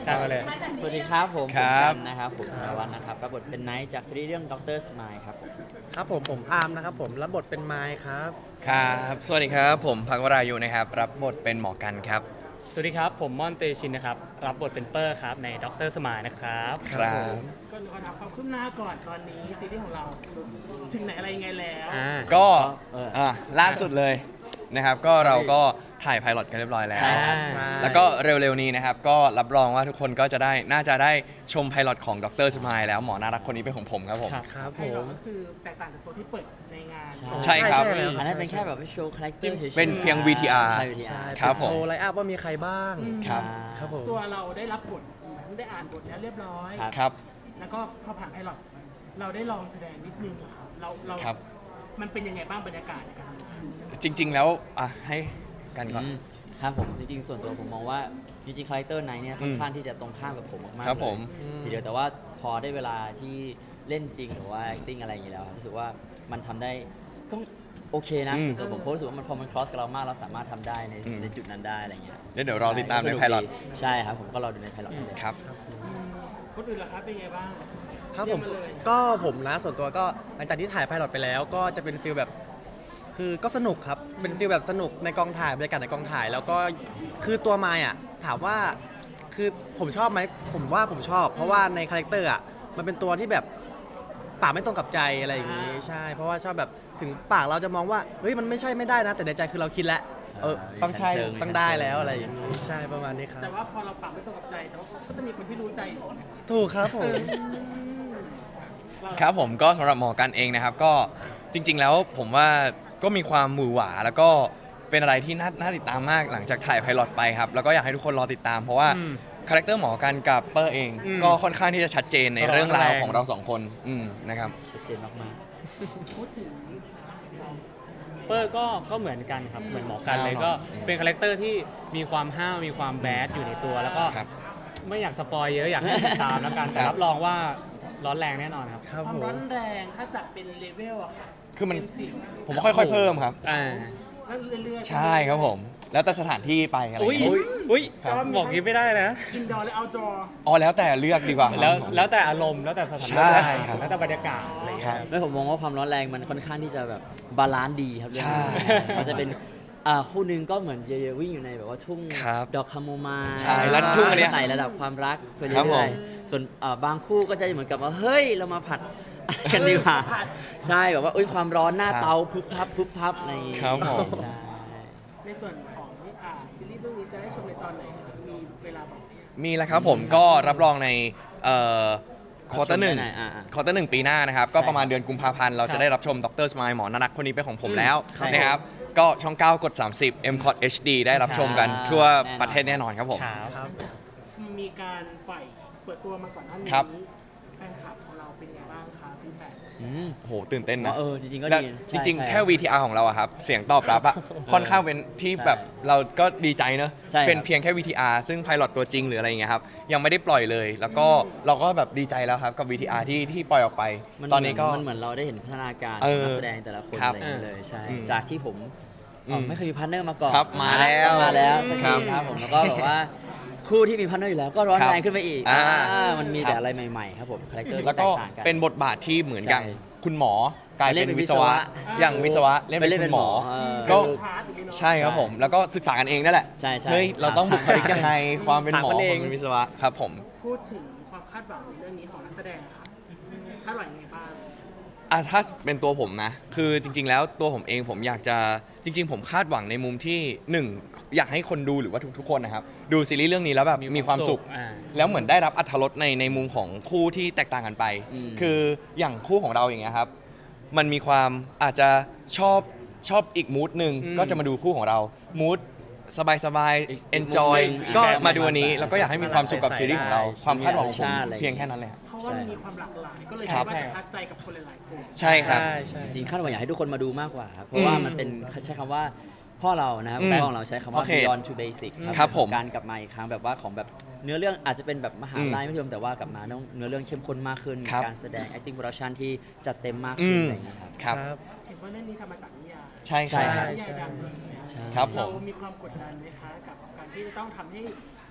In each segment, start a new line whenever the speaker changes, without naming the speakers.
ครับเลย
สวัสดีครับผม
ครับ
ผมกันนะครับผมธนวัฒน์นะครับรับบทเป็นไนท์จากซีรีส์เรื่องด็อกเตอร์สมายครับผม
ครับผมอาร์มนะครับผมรับบทเป็นไมค์ครับ
ครับสวัสดีครับผมพักวรายุนะครับรับบทเป็นหมอกันครับ
สวัสดีครับ ผมม่อนเตชินนะครับ รับบทเป็นเปอร์ครับ ในด็อกเตอร์สมายนะครับ
ครับ
ก็ขอถามความคืบหน้าก่อนตอนนี้ซีรีส์ของเราถึงไหนอะไรยังไงแล้ว
ก็
เออ
ล่าสุดเลยนะครับก็เราก็ถ่ายไพลอตกันเรียบร้อยแล้ว
ใช่
แล้วก็เร็วๆนี้นะครับก็รับรองว่าทุกคนก็จะได้น่าจะได้ชมไพลอตของดรสมายแล้วหมอน่ารักคนนี้เป็นของผมครับผม
ครับ
ครับ
ไพ
ผ
ลอต
ม
ก็คือแตกต่างจากตัวที่เปิดในงาน
ใช่ครับ
แล้ว
อันนั้นเป็นแค่แบบโชว์คาแรคเตอร์เฉยๆ
เป็นเพียง VTR
ใช่
ใช่
VTR
ครับผม
โชว์ไลน์อัพว่ามีใครบ้าง
ครับ
ครับผม
ตัวเราได้รับบทได้อ่านบทแล้วเรียบร้อย
ครับ
ครับ
แล้วก็พอผ่านไพลอตเราได้ลองแสดงนิดนึงอะครับเรา
ครับ
มันเป็นยังไงบ้างบรรยากาศในการทำงาน
จริงๆแล้วให้กันก่อน
ครับผมจริงๆส่วนตัวผมมองว่าจริงๆคาแรคเตอร์ไนท์เนี่ยค่อนข้างที่จะตรงข้ามกับผมมากๆ
ครับ
เลย
ผม
ทีเดียวแต่ว่าพอได้เวลาที่เล่นจริงหรือว่า acting อะไรอย่างนี้แล้วครับรู้สึกว่ามันทำได้ก็โอเคนะ
อืม
ส่วนตัวผมเพราะรู้สึกว่ามันพอมัน cross กับเรามากเราสามารถทำได้ใน
อืม
ในจุดนั้นได้อะไรอย่างเงี้ย
เดี๋ยวรอติดตามใน
สก
ไพลอต
ดีใช่ครับผมก็รอดูในไพลอตได้เลย
ครับ
คนอื่นล่ะครับเป็นยังไงบ้าง
ครับผม
เรียกาเลย
ก็ผมนะส่วนตัวก็หลังจากที่ถ่ายไพลอตไปแล้ว ก็จะเป็นฟิลแบบคือก็สนุกครับเป็นฟิลแบบสนุกในกองถ่ายบรรยากาศในกองถ่าย แล้วก็คือตัวไมค์อ่ะถามว่าคือผมชอบไหมผมว่าผมชอบ เพราะว่าในคาแรคเตอร์อ่ะมันเป็นตัวที่แบบปากไม่ตรงกับใจอะไรอย่างนี้ใช่ เพราะว่าชอบแบบถึงปากเราจะมองว่าเฮ้ยมันไม่ใช่ไม่ได้นะ แต่ในใจคือเราคิดแล้วต้องใช่ต้องได้แล้วอะไรอย่างนี้ใช่ประมาณนี้ครับ
แต่ว่าพอเราปรับไม่ตรงกับใจแต่ว่าก็จะมีคนที่รู้ใจอยู่นะครับ
ถูกครับผม
เรา
ครับผมก็สำหรับหมอกันเองนะครับก็จริง ๆ แล้วผมว่าก็มีความหวือหวาแล้วก็เป็นอะไรที่น่าติดตามมากหลังจากถ่ายไพลอตไปครับแล้วก็อยากให้ทุกคนรอติดตาม เพราะว่าคาแรคเตอร์หมอกันกับเปอร์เอง ก็ค่อนข้างที่จะชัดเจนในเรื่องราวของเราสองคนนะครับ
ชัดเจนมาก
พูดถึง
เปอร์ก็เหมือนกันครับ เหมือนหมอกันเลย
ครับ
ก็เป็นคาแรคเตอร์ที่มีความห้าวมีความแบดอยู่ในตัว แล้วก็
ครับ
ไม่อยากสปอยเยอะอยากให้ติดตามแล้วกัน แต่รับรองว่าร้อนแรงแน่นอนครับ
ครับ
ความ
ผม
ร้อนแรงถ้าจัดเป็นเลเวลอะค่ะ
คือมัน
เต็สิบ
ผมว่าค่อยๆเพิ่มครับ
อ่า
แล้วเรื่อยๆ
ใช่ครับผม แล้วแต่สถานที่ไปอะไร
อุ้ย
เงี้ย
อุ้ย
ครับ
บอกอยิ้ไม่ได้นะ
อินดอร์และเอาท์ดอร์
อ๋อแล้วแต่เลือกดีกว่าครับ
แล้วแต่อารมณ์แล้วแต่สถาน
ใช่
การณ์
ครับ
แล้วแต่บรรยากาศอะไรอย่าง
ครั
เงี้
บ
ย
ๆแล้วผมมองว่าความร้อนแรงมันค่อนข้างที่จะแบบบาลานซ์ดีครับเรื่องนี้
ใช่
มันจะเป็นคู่หนึงก็เหมือนเยวิ่งอยู่ในแบบว่าทุ่ง
ครับ
ดอกคาโมไมล์
ใช่แล้วทุ่งอันเนี้ย
ไต่ระดับความรักไป
ครับผ
เรื่อ
ม
ยๆส่วนบางคู่ก็จะเหมือนกับว่าเฮ้ยเรามาผัด กันดีกว่าใช่แบบว่าอุ้ยความร้อนหน้า
ครับ
เตาพึบพับพึบพับอะไรอย่างงี้
ครับผม
ใช่
ในส่วนของซีรีส์เรื่องนี้จะได้ชมในตอนไหนครับมีเวลาบอกไหม
มีแล้วครับผมก็รับรองในควอเตอร์หนึ่ง
รับชมได้ไหนอ่า
ควอเตอร์หนึ่งปีหน้านะครับ ก็
ใช่
ประมาณเดือนกุมภาพันธ์เราจะได้รับชมดรสมายหมอนารักคนนี้เป็นของผมแล้ว
ครับ
นะครับ ก็ช่อง 9 กด 30 m c o t HD ได้รับชมกัน
ครับ
ทั่ว
แน่นอน
ประเทศแน่นอนครับผม
ครับ
ครับ
มีการปล่อยเปิดตัวมาก่อนหน้านี้
ครับ
แฟนคลับของเราเป็นยังไงบ้างคะฟีดแบ็ก
อืม
โอ้โหตื่นเต้นนะ
จริงๆก็
และ
ดี
จริง
ใช่
ๆ
ใช่
แค่ VTR ของเราอะครับ เสียงตอบรับอะค่อนข้างเป็นที่แบบเราก็ดีใจเนอะ
ใช่ครับ
เป็นเพียงแค่ VTR ซึ่งไพลอตตัวจริงหรืออะไรอย่างเงี้ยครับ ยังไม่ได้ปล่อยเลย แล้วก็เราก็แบบดีใจแล้วครับกับ VTR ที่ปล่อยออกไป ตอนนี้ก็
มันเหมือนเราได้เห็นพัฒนาการ
เอ
ของ
อ
นักแสดงแต่ละคน
ครับ
อะไรอย่างเงี้ยเลยใช่
อืม
จากที่ผม
อืม
ไม่เคยมีพาร์ทเนอร์มาก่อน
ครับมาแล้ว
มาแล้วสัก
ครั
ที
บ
ครับผมแล้วก็แบบว่าคู่ที่มีพาร์ทเนอร์อยู่แล้วก็ร้อน
ครับ
แรงขึ้นไปอีก มันมี
ครับ
แต่อะไรใหม่ๆครับผมคาแรคเตอร์
แล้ว
ที่
ก็
แตกต่างกัน
เป็นบทบาทที่เหมือนอย่าง
ใช่
คุณหมอกลายเป็นวิศวะ
เล่นเป็นวิศวะ
อย่างวิศวะเล่นเป็นคุณหมอ ก็
พาร์ทอย่างนี้เนาะ
ใช่ครับผม แล้วก็ศึกษากันเองนั่นแหละ
ใช่ใช่
เฮ้ยเราต้องบุคลิกยังไงความเป็นหมอ
ถามกันเอง
ความเป็นวิศวะครับผม
พูดถึงความคาดหวังในเรื่องนี้ของนักแสดงค่ะคาดหวังยังไงบ้าง
ถ้าเป็นตัวผมนะ คือจริง ๆ แล้วตัวผมเองผมอยากจะจริง ๆ ผมคาดหวังในมุมที่หนึ่งอยากให้คนดูหรือว่าทุกๆคนนะครับดูซีรีส์เรื่องนี้แล้วแบบมีความสุข
อ่า
แล้วเหมือนได้รับอรรถรสในมุมของคู่ที่แตกต่างกันไป
อืม
คืออย่างคู่ของเราอย่างเงี้ยครับ มันมีความอาจจะชอบอีกมูดหนึ่ง
อืม
ก็จะมาดูคู่ของเรามูดสบาย
อีก
ๆ enjoy
มุมหนึ่ง
ก็
แบบ
มาดูอันนี้
ใส่
แล้วก็อยากให้มีความสุขกับซีรีส์ของเรา
ใส่ได้
ความคาดหวังของผม
ใช่อะไร
เพียงแค่นั้นเลยครับ
เพราะว่ามันมีความหลากหลายก็เลย
ครั
คิ
บ
ดว่าจะทัดใจกับคนหลายๆคน
ใช่ครับ
ใช่ใช่
จริงๆคาดหวังอยากให้ทุกคนมาดูมากกว่าครับเพราะว่ามันเป็นใช้คำว่าพ่อเรานะครับ
อืม
พ่อของเราใช้คำว่า
โอเค
beyond to basic
ครับผม
การกลับมาอีกครั้งแบบว่าของแบบเนื้อเรื่องอาจจะเป็นแบบมหาลัยไม่เทียมแต่ว่ากลับมาต้องเนื้อเรื่องเข้มข้นมากขึ้น
ครับ
การแสดง acting production ที่จัดเต็มมากขึ้นอะไรอย่างเงี้ยครับ
ครับ
เห็นว่าเรื่องนี้ทำมาจากนิยาย
ใช่
ใช่
ครับ
นิยายดังเลย
ใช่
ครับผม
เรามีความกดดันไหมคะกับการที่จะต้องทำให้ท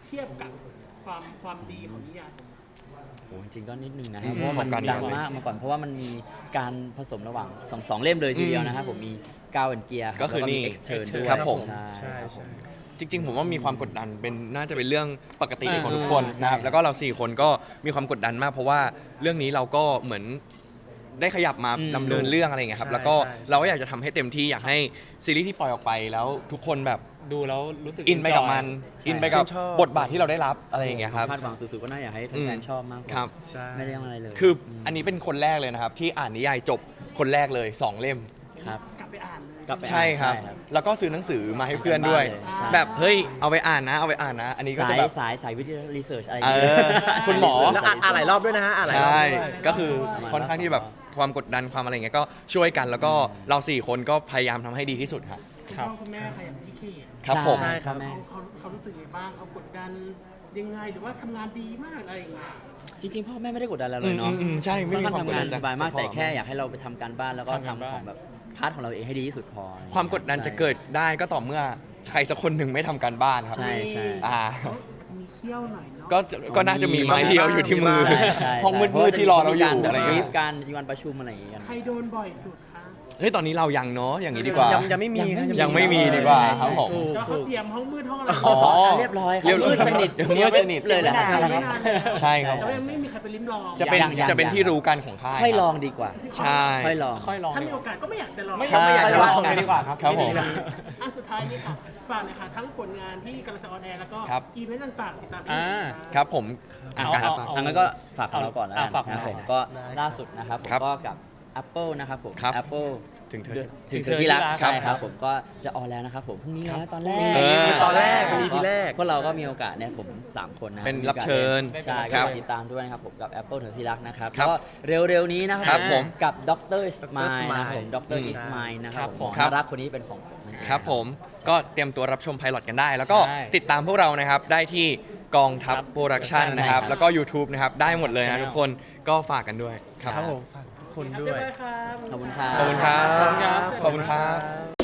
เทียบกับความดีของนิยาย
โอ้จริงๆก็นิดนึงนะค
อื
รับ
ม
เพราะว่ามัน
ของการ
ดังมากมาก่อนเพราะว่ามันมีการผสมระหว่างสองเล่มเลยทีเดียวนะครับผมมีก้าวแอนเกียร์
ก็คือนี่
Extern ด้วย
ครับผม
ใช่
ใช่
ครับผ
ใช่
ม
จริงๆ ผมว่ามีความกดดันเป็นน่าจะเป็นเรื่องปกติ
อ่า
ของทุกคน
ใช่
นะครับแล้วก็เรา4คนก็มีความกดดันมาก เพราะว่าเรื่องนี้เราก็เหมือนได้ขยับมา
อืม
ดำเนินเรื่องอะไรอย่างเงี้ยครับ
ใช่
แล้วก็
ใช่
เราก็อยากจะทำให้เต็มที่อยากให้ซีรีส์ที่ปล่อยออกไปแล้วทุกคนแบบ
ดูแล้วรู้สึก
อินไปกับมัน
ใช่
อินไปกับ
ชื่นชอบ
บทบาทที่เราได้รับอะไรอย่างเงี้ยครับ
คาดหวังสุดๆก็น่าอยากให้แฟนๆชอบมากกว่า
ครับ
ใช่
ไม่ได้อะไรเลย
คืออันนี้เป็นคนแรกเลยนะครับ ที่อ่านนิยายจบคนแรกเลย 2 เล่ม
ครับ
กลับไปอ่านเลย
กลับไป
ใช่ครับ แล้วก็ซื้อหนังสือมาให้เพื่อนด้วย
ใช่
แบบเฮ้ยเอาไปอ่านนะเอาไปอ่านนะ อันนี้ก็
สา
จะ
ย
แบบ
สายวิทยารีเสิร์ชอะไร
เออคุณหมอ
แล้วอ่านหลายรอบด้วยนะฮะอ่านหลายรอบ
ใช่
ด้วย
ก็คือค่อนข้างที่แบบความกดดันความอะไรอย่างเงี้ยก็ช่วยกันแล้วก็เรา4คนก็พยายามทำให้ดีที่สุดครับ
คุณพ่อคุณแม่ใครอย่างพี่เค
ครับผม
ใช่ครับแม่
เขารู้สึกยังไงบ้างเขากดดันยังไงหรือว่าทำงานดีมากอะไรอย่างเงี้ย
จริงๆพ่อแม่ไม่ได้กดดันเราเลยเนาะ
ใช่ไม่มี
ค่อน
ความ
ข้าง
กด
ทำ
ดั
งาน น
จาก
สบายมาก
จากพ่อ
แต่แค่อยากให้เราไปทำการบ้านแล้วก็
ทำการบ้าน
ทำของแบบพาร์ทของเราเองให้ดีที่สุดพอ
ความกดดันจะเกิดได้ก็ต่อเมื่อใครสักคนหนึ่งไม่ทำการบ้านครับ
ใช่ใช่
อ่า
มีเขี้ยวหน่อยเนาะ
ก็น่าจะมีไม้เดียวอยู่ที่มือ
ใช่ใช่
ห้องมืดๆที่รอเราอยู่อะไร
บรี
เงี้
ฟ
ย
การมีวันประชุมอะไรอย่างเงี้ยกัน
ใครโดนบ่อยสุดคะ
เฮ้ยตอนนี้เรายังเนาะอย่างนี้ดีกว่า
ยังไม่มีครับ
ยังไม่มีดีกว่าครับผม
ถูก
แล้วเขา
ถูก
เตรียมห้องมืดห้องอะไร
อ๋อ
เรียบร้อยครั
เรียบร้อย
มืดสนิท
มืดสนิท
เลยแหละ
ไม่
ครับ
นานไม่นาน
ใช่ครับ
แต่ว่ายังไม่มีใครไปลิ้มลอง
จะเป็น
ยัง
จะเป็นที่รู้กันของค่าย
ค่อย
รับ
ลองดีกว่า
ใช่
ค่อยลอง
ค่อยลอง
ถ้า
ดี
มี
ก
โอ
ว่า
กาสก็ไม่อยากจะลอง
ไม่
ใช่
ไม่อยากจะลองเลยดีกว่าครับ
ครับผม
อ่ะสุดท้ายนี่ค่ะฝากหนะคะทั้งผลงานที่กำลังจะออนแอร์แล้วก็
ครับ
อีเวนต์ต่างๆติดตามได้
อ่า
ครับผม
เอา
การ
เอา
ฝาก
อันนั้นก็ฝากของเราก่อนแล้ว
อ่ะ
กัน
ฝากของ
นะ
เรา
ผมก็ล่าสุดนะครับผม
ครับ
ก็กับ Apple นะครับผม
ครับ
Apple
ถึงเธอ
ถึงเธอที่รัก
ครั
ใช่
บ
ครับผมก็จะออนแล้วนะครับผมพรุ่งนี้แล้วตอนแรก
เออ
ตอนแรกเป็น EP แรก
พวกเราก็มีโอกาสเนี่ยผม 3 คนนะ
เป็นรับเชิญ
ใช่
ครั
ก็
บ
ติดตามด้วยนะครับผมกับ Apple เธอที่รักนะครับ
ครับ
ก็เร็วๆนี้นะค
ครั
รับ
ผม
กับดรสมายนะครับผมด
อื
ร
ม
อิสมายนะครับผม
ครับ
น่ารักคนนี้เป็นของผมนั่นเอง
ครับผมก็เตรียมตัวรับชมไพลอตกันได้ แล้วก็
ใช่
ติดตามพวกเรานะครับได้ที่กองทัพโปรดักชัน
ใช่
นะครับ
ครับ
แล้วก็ YouTube นะครับได้หมดเลยนะ
ใช่
ทุกคนก็ฝากกันด้วยครับ
ครับผมฝากทุกคนด้วย
ครับ
ขอบคุณครับ
ขอบคุณครับ
ขอบคุณครับ
ขอบคุณครับ